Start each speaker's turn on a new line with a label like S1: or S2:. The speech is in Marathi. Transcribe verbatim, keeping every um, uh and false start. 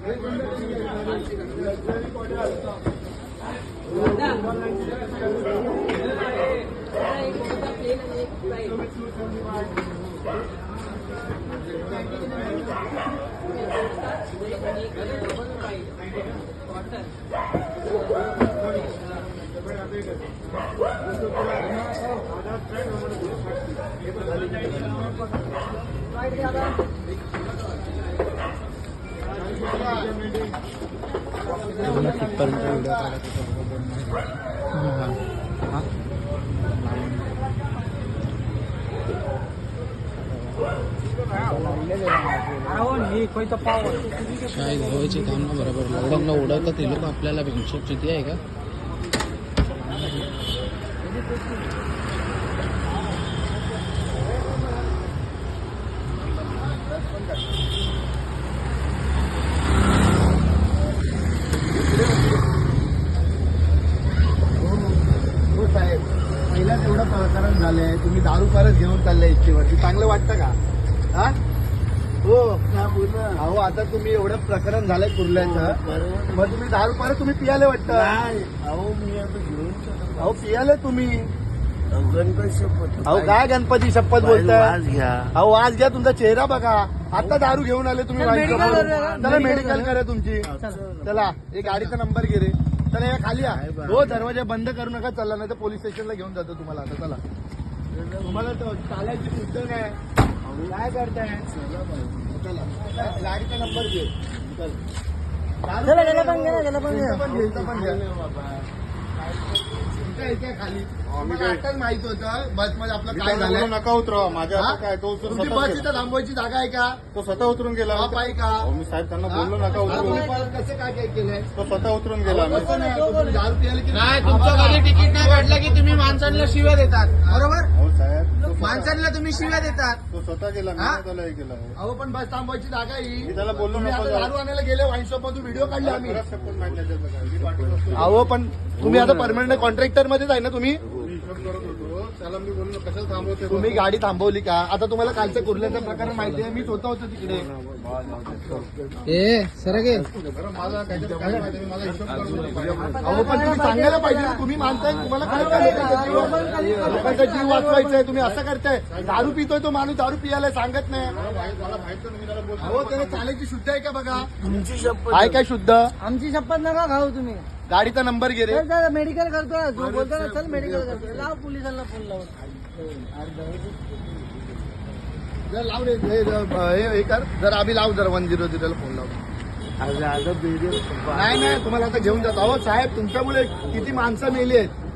S1: काय घ्यायचे काम ना बरोबर लॉकडाऊनला उडवतात ते लोक आपल्याला हिशोब किती आहे का?
S2: पहिलाच एवढं प्रकरण झालंय, तुम्ही दारू परत घेऊन चाललाय इच्छेवरती, चांगलं वाटतं का? हा हो अहो, आता तुम्ही एवढं प्रकरण झालंय कुर्ल्याचं, मग तुम्ही दारू परत तुम्ही पियाले वाटतं?
S3: अहो मी आता घेऊन
S2: अहो पियाले तुम्ही.
S3: गणपती शपथ.
S2: अहो काय गणपती शपथ बोलताय?
S3: आज घ्या.
S2: अहो आज घ्या, तुमचा चेहरा बघा. आता दारू घेऊन आले तुम्ही. चला मेडिकल करा तुमची. चला एक गाडीचा नंबर घे रे. चला या खाली या. हो दरवाजा बंद करू नका. चला नाही तर पोलीस स्टेशनला घेऊन जातो तुम्हाला. आता चला, तुम्हाला चालायची शुद्ध नाही. काय करताय? चला गाडीचा नंबर घे. चला पण घे खाली. आताच माहित होतं बस मध्ये आपलं काय झालं.
S4: नका उतरवा माझ्या. काय तो
S2: तुमची बस इथं थांबवायची जागा आहे का?
S4: तो स्वतः उतरून गेला.
S2: बाप आहे का?
S4: मी साहेब त्यांना बोललो नका उतरून.
S2: कसं काय काय केलंय?
S4: तो स्वतः उतरून गेला.
S2: कसं नाही, तुम्ही दारू प्यायला की
S1: नाही, तुमचं कधी तिकीट नाही काढलं की तुम्ही माणसांना शिव्या देतात, बरोबर?
S4: हो साहेब, तो स्वतः-
S1: माणसांना तुम्ही शिव्या देतात.
S4: तो स्वतः गेला. मी
S1: हा?
S4: नाही त्याला हे केलं.
S2: अहो पण बस थांबवायची जागा ही.
S4: मी त्याला बोललो
S2: तुम्ही
S4: नको
S2: आता
S4: जाऊ.
S2: दारू आणायला गेले वाईन शॉप मधून व्हिडिओ काढले आम्ही.
S4: खरंच शपथ माहित नाही त्याचं काय. मी पाठवत असतो.
S2: अहो पण तुम्ही आता परमनंट कॉन्ट्रॅक्टर मध्येच आहे ना तुम्ही?
S4: मी हिशोब करत होतो. त्याला मी बोललो कशाला थांबवते.
S2: तुम्ही गाडी थांबवली का? आता तुम्हाला कालचं कुर्ल्याचं प्रकरण माहिती आहे. मी स्वतः होतो तिकडे.
S1: ए सर गे
S4: बरं, मला काहीतरी काय माहिती. मला हिशोब करत होतो.
S2: अहो पण तुम्ही सांगायला पाहिजे ना. तुम्ही मानताय, तुम्हाला काय करायचं? लोकांचा जीव वाचवायचा. तुम्ही असं करताय. दारू पितोय तो माणूस, दारू पियाला सांगत नाही.
S4: मला माहित मला माहित नाही. मी त्याला बोलतो.
S2: अहो त्याला चालायची शुद्ध आहे का बघा?
S3: तुमची शपथ.
S2: आहे काय शुद्ध?
S5: आमची शपथ नका खाऊ तुम्ही.
S2: गाडीचा नंबर घे रे.
S5: चल चल मेडिकल करतो. जो बोलतो ना चल मेडिकल करतो. लाव पोलिसांना फोन लावून.
S2: जर लाव रे हे- हे हे कर. जर आम्ही लाव जर वन झिरो झिरोला फोन लाव.
S3: आज आता व्हिडिओ
S2: नाही नाही तुम्हाला आता घेऊन जातो. अहो साहेब तुमच्यामुळे किती माणसं मेली आहेत.